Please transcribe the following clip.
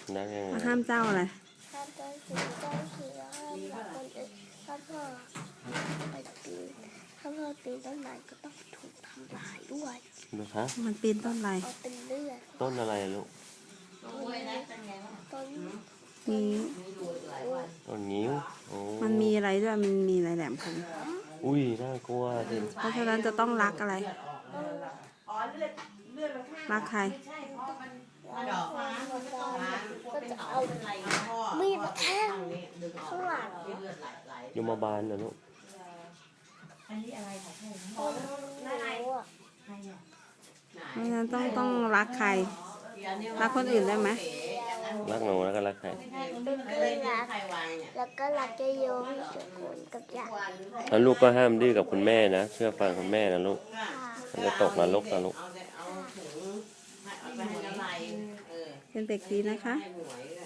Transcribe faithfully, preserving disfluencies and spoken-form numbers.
รักยังไงห้ามเจ้าอะไรห้ามเจ้าชู้เจ้าชู้ห้ามรักคนอื่นถ้าพ่อไปปีนถ้าพ่อปีนต้นไม้ก็ต้องถูกทำลายด้วยนะคะมันปีนต้นอะไรเอาเป็นเลือดต้นอะไรลูกต้นมีต้นงิ้วโอ้มันมีอะไรด้วยมันมีอะไรแหลมคมอุ้ยน่ากลัวสิเพราะฉะนั้นจะต้องรักอะไรรักใครก็จะเอามีดมาแทงข้างหลังยมบาลนะลูกต้นนิ้วอ่ะเพราะฉะนั้นต้องต้องรักใครรักคนอื่นได้ไหมรักหนูแล้วก็รักใครรักแล้วก็รักเจโยพี่สุกุลกับยาแล้วลูกก็ห้ามดื้อกับคุณแม่นะเชื่อฟังคุณแม่นะลูกมันจะตกนรกนะลูกเป็นเด็กดีนะคะ